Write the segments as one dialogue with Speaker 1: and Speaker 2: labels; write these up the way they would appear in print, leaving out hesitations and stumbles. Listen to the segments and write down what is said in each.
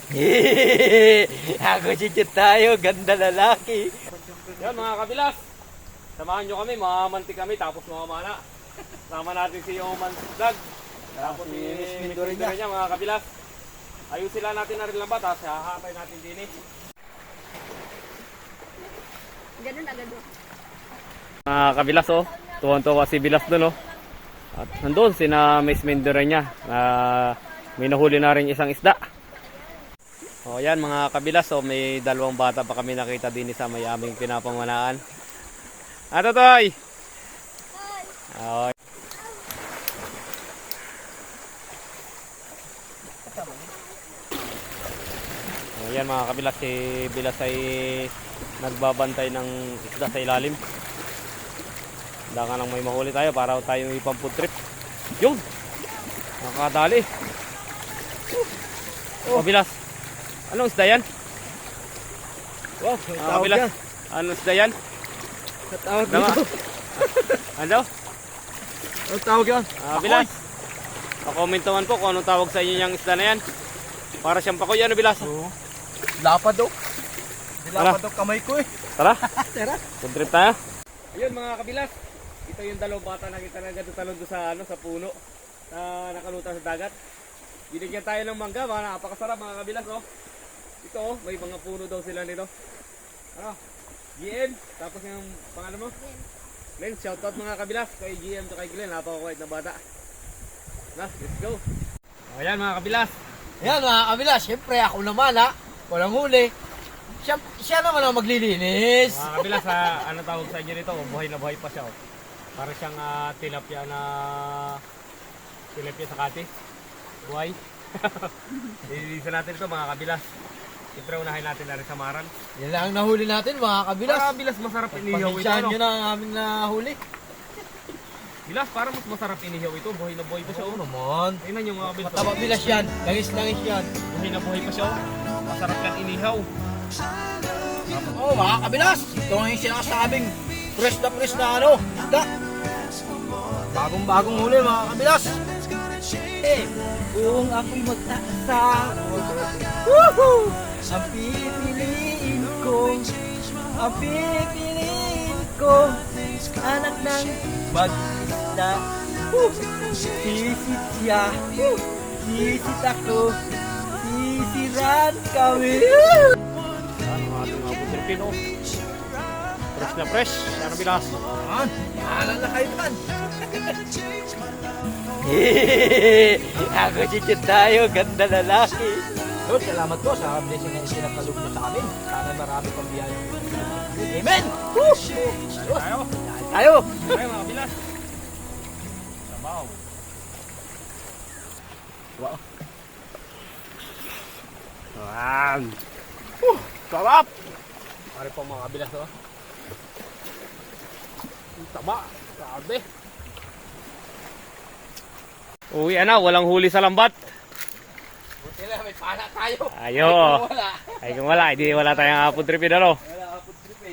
Speaker 1: Ako si tayo, ganda lalaki.
Speaker 2: Yan mga kabilas, samahan nyo kami, mamamantik kami tapos mamamana. Sama natin si Oman Vlog. Tapos si Miss Mindoro niya mga kabilas. Ayusin lang natin na rin lang ba, tapos hahatay natin din eh.
Speaker 3: Ganun agad o.
Speaker 2: Mga kabilas oh, tuwan-tuwa si Bilas doon oh. At nandun sina Miss Mindoro niya. May nahuli na rin isang isda. O yan mga kabilas, so may dalawang bata pa kami nakita din sa may aming pinapanganaan. Ato toy! Okay. O yan mga kabilas, si Bilas ay nagbabantay ng isda sa ilalim. Handa ka nang may mahuli tayo para tayo may pang-food trip. Yun! Nakakadali. O Bilas, anong isda yan?
Speaker 1: Wow,
Speaker 2: Ah, Bilas, anong isda yan?
Speaker 1: tawag
Speaker 2: Dama. Ano?
Speaker 1: Ang tawag yan?
Speaker 2: Bilas, pa-comment naman po kung anong tawag sa inyo yung isda na yan. Para siyang pakoy, ano Bilas?
Speaker 1: Oo. Lapad daw. Lapad daw kamay ko eh.
Speaker 2: Tara,
Speaker 1: Tara.
Speaker 2: food trip tayo. Ayun mga kabilas, ito yung dalawang bata na kita nagatutalon doon sa, sa puno na nakalutang sa dagat. Binigyan tayo ng mangga, mga napakasarap mga kabilas oh. Ito oh, may mga puno daw sila nito. Ano? GM, tapos yung pangalan mo? Glenn, shoutout mga kabilas kay GM to kay Glenn, napakakuwait na bata. Na, let's go. O yan mga kabilas.
Speaker 1: Yan mga kabila, syempre ako naman ha. Walang huli. Siya naman ang maglilinis.
Speaker 2: Mga kabilas, ano tawag sa inyo nito? Buhay na buhay pa siya oh. Para siyang tilapia sa kati. Buhay. Ililisan natin ito mga kabilas. Siyempre unahin natin na rin sa maran.
Speaker 1: Yan lang ang nahuli natin mga kabilas.
Speaker 2: Para bilas masarap inihaw ito.
Speaker 1: Pagkisyahan
Speaker 2: Ano?
Speaker 1: nyo na ang aming nahuli.
Speaker 2: Bilas, para mas masarap inihaw ito. Buhay na buhay pa siya
Speaker 1: Oo
Speaker 2: oh.
Speaker 1: naman.
Speaker 2: Tingnan nyo mga kabilas.
Speaker 1: Mataba bilas yan. Langis-langis yan.
Speaker 2: Buhay na buhay pa siya oh. Masarap yan inihaw.
Speaker 1: Oo mga kabilas. Ito ang yung sinasabing fresh na ano. Isda. Bagong huli mga kabilas. Kung ako'y magtaasa, woohoo! Ang pipiliin ko, anak ng mag-isda. Sisit siya, sisit ako, sisiran kami.
Speaker 2: Yan ang ating mga putripin oh. Fresh na fresh. Yan ang bilas.
Speaker 1: Yan, mahalan na kayo man. Ako si tayo, ganda lalaki. Lord, salamat po sa blessing na isinapaloob niyo sa amin. Sana marami pang biyaya. Amen! Woo!
Speaker 2: Tayo.
Speaker 1: Tayo!
Speaker 2: Tayo mga bilas. Sabaw.
Speaker 1: Wow.
Speaker 2: Yan. Sarap! Pare po mga kabilas oh. Ang taba. Grabe. Uwi na, walang huli sa lambat.
Speaker 1: Buti lang, may pana tayo.
Speaker 2: Ayo.
Speaker 1: Wala.
Speaker 2: Ay kung wala, hindi wala tayong food trip ano.
Speaker 1: Wala ako tripid.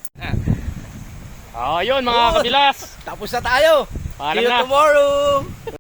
Speaker 2: Ayun mga kabilas.
Speaker 1: Tapos na tayo.
Speaker 2: Paalam
Speaker 1: See you
Speaker 2: na.
Speaker 1: tomorrow.